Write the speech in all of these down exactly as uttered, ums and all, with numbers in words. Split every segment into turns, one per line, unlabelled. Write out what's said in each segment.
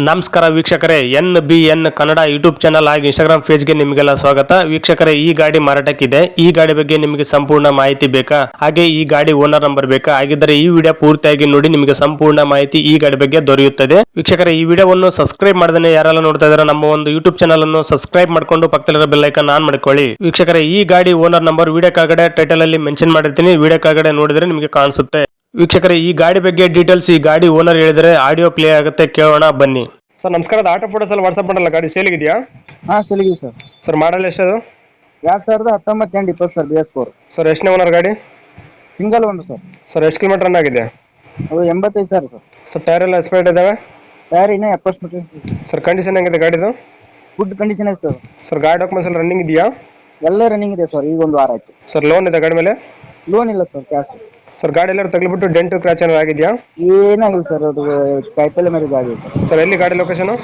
ನಮಸ್ಕಾರ ವೀಕ್ಷಕರೇ, N B N Kannada YouTube channel ಹಾಗೂ ಇನ್ಸ್ಟಾಗ್ರಾಮ್ ಪೇಜ್ಗೆ ನಿಮಗೆಲ್ಲ ಸ್ವಾಗತ. ವೀಕ್ಷಕರೇ, ಈ ಗಾಡಿ ಮಾರಾಟಕ್ಕಿದೆ. ಈ ಗಾಡಿ ಬಗ್ಗೆ ನಿಮಗೆ ಸಂಪೂರ್ಣ ಮಾಹಿತಿ ಬೇಕಾ, ಹಾಗೆ ಈ ಗಾಡಿ ಓನರ್ ನಂಬರ್ ಬೇಕಾ? ಹಾಗಿದ್ದರೆ ಈ ವಿಡಿಯೋ ಪೂರ್ತಿಯಾಗಿ ನೋಡಿ, ನಿಮಗೆ ಸಂಪೂರ್ಣ ಮಾಹಿತಿ ಈ ಗಾಡಿ ಬಗ್ಗೆ ದೊರೆಯುತ್ತದೆ. ವೀಕ್ಷಕರೇ, ಈ ವಿಡಿಯೋವನ್ನು ಸಬ್ಸ್ಕ್ರೈಬ್ ಮಾಡದೇ ಯಾರೆಲ್ಲ ನೋಡ್ತಾ ಇದ್ದಾರೆ, ನಮ್ಮ ಒಂದು ಯೂಟ್ಯೂಬ್ ಚಾನಲ್ ಅನ್ನು ಸಬ್ಸ್ಕ್ರೈಬ್ ಮಾಡ್ಕೊಂಡು ಪಕ್ಕದಲ್ಲಿರೋ ಬೆಲ್ ಐಕಾನ್ ಆನ್ ಮಾಡ್ಕೊಳ್ಳಿ. ವೀಕ್ಷಕರೇ, ಈ ಗಾಡಿ ಓನರ್ ನಂಬರ್ ವಿಡಿಯೋ ಕೆಳಗಡೆ ಟೈಟಲ್ ಅಲ್ಲಿ ಮೆನ್ಷನ್ ಮಾಡಿರ್ತೀನಿ, ವಿಡಿಯೋ ಕೆಳಗಡೆ ನೋಡಿದ್ರೆ ನಿಮಗೆ ಕಾಣಿಸುತ್ತೆ. ವೀಕ್ಷಕರೇ, ಈ ಗಾಡಿ ಬಗ್ಗೆ ಡೀಟೇಲ್ಸ್ ಈ ಗಾಡಿ ಓನರ್ ಹೇಳಿದರೆ ಆಡಿಯೋ ಪ್ಲೇ ಆಗುತ್ತೆ, ಕೇಳೋಣ ಬನ್ನಿ. ಸರ್ ನಮಸ್ಕಾರ, ಆಟೋ ಫೋಟೋಸ್ ಎಲ್ಲ ವಾಟ್ಸ್ಆಪ್ ಮಾಡಲ್ಲ, ಗಾಡಿ ಸೇಲಿಗಿದೆಯಾ?
ಹಾಂ ಸೇಲಿಗಿದೆ ಸರ್.
Sir model ಎಷ್ಟದು?
ಎರಡು ಸಾವಿರದ ಹತ್ತೊಂಬತ್ತು ಎಂಟು ಇಪ್ಪತ್ತು sir, B S four.
Sir ಎಷ್ಟನೇ ಓನರ್ ಗಾಡಿ?
ಸಿಂಗಲ್ ಒಂದು ಸರ್.
ಸರ್ ಎಷ್ಟು ಕಿಲೋಮೀಟರ್ ರನ್ ಆಗಿದೆ?
ಅದು ಎಂಬತ್ತೈದು ಸಾವಿರ ಸರ್.
ಸರ್ ಟೈರ್ ಎಲ್ಲ ಎಕ್ಸ್ಪೈರ್ಡ್ ಇದಾವೆ?
ಟೈರ್ ಇನ್ನೂ ಎಪ್ಪತ್ತು ಮೀಟರ್.
ಸರ್ ಕಂಡೀಷನ್ ಹೆಂಗಿದೆ ಗಾಡಿದು?
ಗುಡ್ ಕಂಡೀಷನ್ ಇದೆ ಸರ್.
ಸರ್ ಗಾಡಿ ಡಾಕ್ಯುಮೆಂಟ್ಸ್ ಎಲ್ಲ ರನ್ನಿಂಗ್ ಇದೆಯಾ?
ಎಲ್ಲ ರನ್ನಿಂಗ್ ಇದೆ ಸರ್, ಈಗ ಒಂದು ವಾರ ಆಯ್ತು.
ಸರ್ ಲೋನ್ ಇದೆ ಗಾಡಿ ಮೇಲೆ?
ಲೋನ್ ಇಲ್ಲ ಸರ್, ಕ್ಯಾಶ್.
ಸರ್ ಗಾಡಿ ಎಲ್ಲರೂ ತಗ್ಲಿಬಿಟ್ಟು ಡೆಂಟು ಕ್ರಾಚ್ ಏನಾರು ಆಗಿದೆಯಾ?
ಏನಾಗಿಲ್ಲ ಸರ್, ಅದು ಕಾಯಿಪಲ್ಲೆ ಮೇಲೆ ಆಗಿದೆ ಸರ್.
ಸರ್ ಎಲ್ಲಿ ಗಾಡಿ location?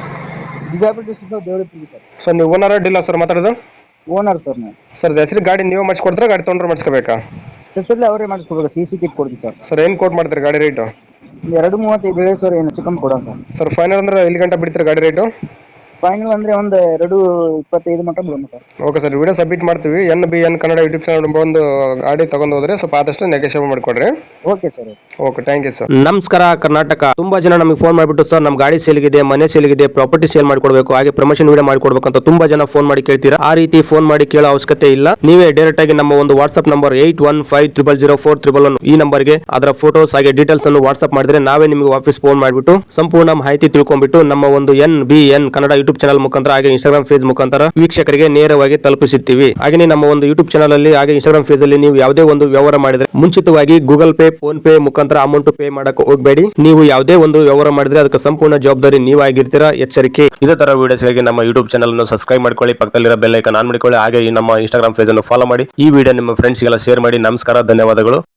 Bijapur district Devarapur sir.
Sir ನೀವು ಓನರ್ ಡೀಲರ್ ಸರ್ ಮಾತಾಡೋದು?
ಓನರ್ ಸರ್ ನಾನು.
ಸರ್ ಹೆಸರು ಗಾಡಿ ನೀವು ಮಾಡಿಸ್ಕೊಡ್ತಾರೆ, ಗಾಡಿ ತೊಗೊಂಡ್ರೆ ಮಾಡಿಸ್ಕೋಬೇಕಾ?
ಹೆಸರಲ್ಲಿ ಅವರೇ ಮಾಡಿಸ್ಕೊಡ್ಬೇಕು, ಸಿ ಸಿ ಕಿಟ್ ಕೊಡ್ತೀವಿ ಸರ್.
ಸರ್ ಏನು ಕೋಟ್ ಮಾಡ್ತಾರೆ ಗಾಡಿ ರೇಟು?
ಎರಡು ಮೂವತ್ತೈದು ಹೇಳಿ ಸರ್, ಏನು ಚಿಕನ್ ಕೊಡೋಣ ಸರ್.
ಸರ್ ಫೈನಲ್ ಅಂದ್ರೆ ಎಲ್ಲಿ ಗಂಟೆ ಬಿಡ್ತಾರೆ ಗಾಡಿ ರೇಟು?
ಫೈನಲ್ ಅಂದರೆ ಒಂದು ಎರಡು ಇಪ್ಪತ್ತೈದು ಮಟ್ಟ ಬಿಡೋಣ sir.
Okay sir, video submit ಮಾಡ್ತೀವಿ. N B N Kannada YouTube channel ಒಂದು ಗಾಡಿ ತಗೊಂಡು ಹೋದ್ರೆ ಸ್ವಲ್ಪ ಆದಷ್ಟು ನೆಗೋಷಿಯೇಟ್ ಮಾಡಿಕೊಡ್ರಿ.
Okay sir.
Okay, thank you sir.
ನಮಸ್ಕಾರ ಕರ್ನಾಟಕ. ತುಂಬಾ ಜನ ನಮಗೆ ಫೋನ್ ಮಾಡಿಬಿಟ್ಟು ಸರ್ ನಮ್ಮ ಗಾಡಿ ಸೇಲ್ಗಿದೆ, ಮನೆ ಸೇಲ್ಗಿದೆ, ಪ್ರಾಪರ್ಟಿ ಸೇಲ್ ಮಾಡ್ಕೊಡ್ಬೇಕು, ಹಾಗೆ ಪ್ರಮೋಷನ್ ವಿಡಿಯೋ ಮಾಡ್ಕೊಡ್ಬೇಕು ಅಂತ ತುಂಬಾ ಜನ ಫೋನ್ ಮಾಡಿ ಕೇಳ್ತೀರಾ. ಆ ರೀತಿ ಫೋನ್ ಮಾಡಿ ಕೇಳೋ ಅವಶ್ಯಕತೆ ಇಲ್ಲ. ನೀವೇ ಡೈರೆಕ್ಟ್ ಆಗಿ ನಮ್ಮ ಒಂದು WhatsApp number eight one five triple zero four triple one ಈ ನಂಬರ್ಗೆ ಅದರ ಫೋಟೋಸ್ ಹಾಗೆ ಡೀಟೇಲ್ಸ್ ಅನ್ನು ವಾಟ್ಸ್ಆಪ್ ಮಾಡಿದ್ರೆ ನಾವೇ ನಿಮಗೆ ವಾಪಸ್ ಫೋನ್ ಮಾಡಿಬಿಟ್ಟು ಸಂಪೂರ್ಣ ಮಾಹಿತಿ ತಿಳ್ಕೊಂಡ್ಬಿಟ್ಟು ನಮ್ಮ ಒಂದು N B N Kannada YouTube channel ಮುಖಾಂತರ ಹಾಗೆ ಇನ್ಸ್ಟಾಗ್ರಾಮ್ ಪೇಜ್ ಮುಖಾಂತರ ವೀಕ್ಷಕರಿಗೆ ನೇರವಾಗಿ ತಲುಪಿಸುತ್ತೀವಿ. ಹಾಗೆ ನಮ್ಮ ಒಂದು ಯೂಟ್ಯೂಬ್ ಚಾನಲ್ ಅಲ್ಲಿ ಹಾಗೆ ಇನ್ಸ್ಟಾಗ್ರಾಮ್ ಪೇಜ್ ಅಲ್ಲಿ ನೀವು ಯಾವುದೇ ಒಂದು ವ್ಯವಹಾರ ಮಾಡಿದ್ರೆ ಮುಂಚಿತವಾಗಿ ಗೂಗಲ್ ಪೇ, ಫೋನ್ ಪೇ ಮುಖಾಂತರ ಅಮೌಂಟ್ ಪೇ ಮಾಡಕ್ಕೆ ಹೋಗಬೇಡಿ. ನೀವು ಯಾವುದೇ ಒಂದು ವ್ಯವಹಾರ ಮಾಡಿದ್ರೆ ಅದಕ್ಕೆ ಸಂಪೂರ್ಣ ಜವಾಬ್ದಾರಿ ನೀವಾಗಿರ್ತೀರಾ, ಎಚ್ಚರಿಕೆ. ಇದೇ ತರ ವಿಡಿಯೋಸ್ಗಾಗಿ ನಮ್ಮ ಯೂಟ್ಯೂಬ್ ಚಾನಲ್ ಅನ್ನು ಸಬ್ಸ್ಕ್ರೈಬ್ ಮಾಡ್ಕೊಳ್ಳಿ, ಪಕ್ಕದಲ್ಲಿರೋ ಬೆಲ್ ಐಕಾನ್ ಆನ್ ಮಾಡಿಕೊಳ್ಳಿ, ಹಾಗೆ ನಮ್ಮ ಇನ್ಸ್ಟಾಗ್ರಾಮ್ ಪೇಜ್ ಅನ್ನು ಫಾಲೋ ಮಾಡಿ. ಈ ವಿಡಿಯೋ ನಿಮ್ಮ ಫ್ರೆಂಡ್ಸ್ಗೆಲ್ಲ ಶೇರ್ ಮಾಡಿ. ನಮಸ್ಕಾರ, ಧನ್ಯವಾದಗಳು.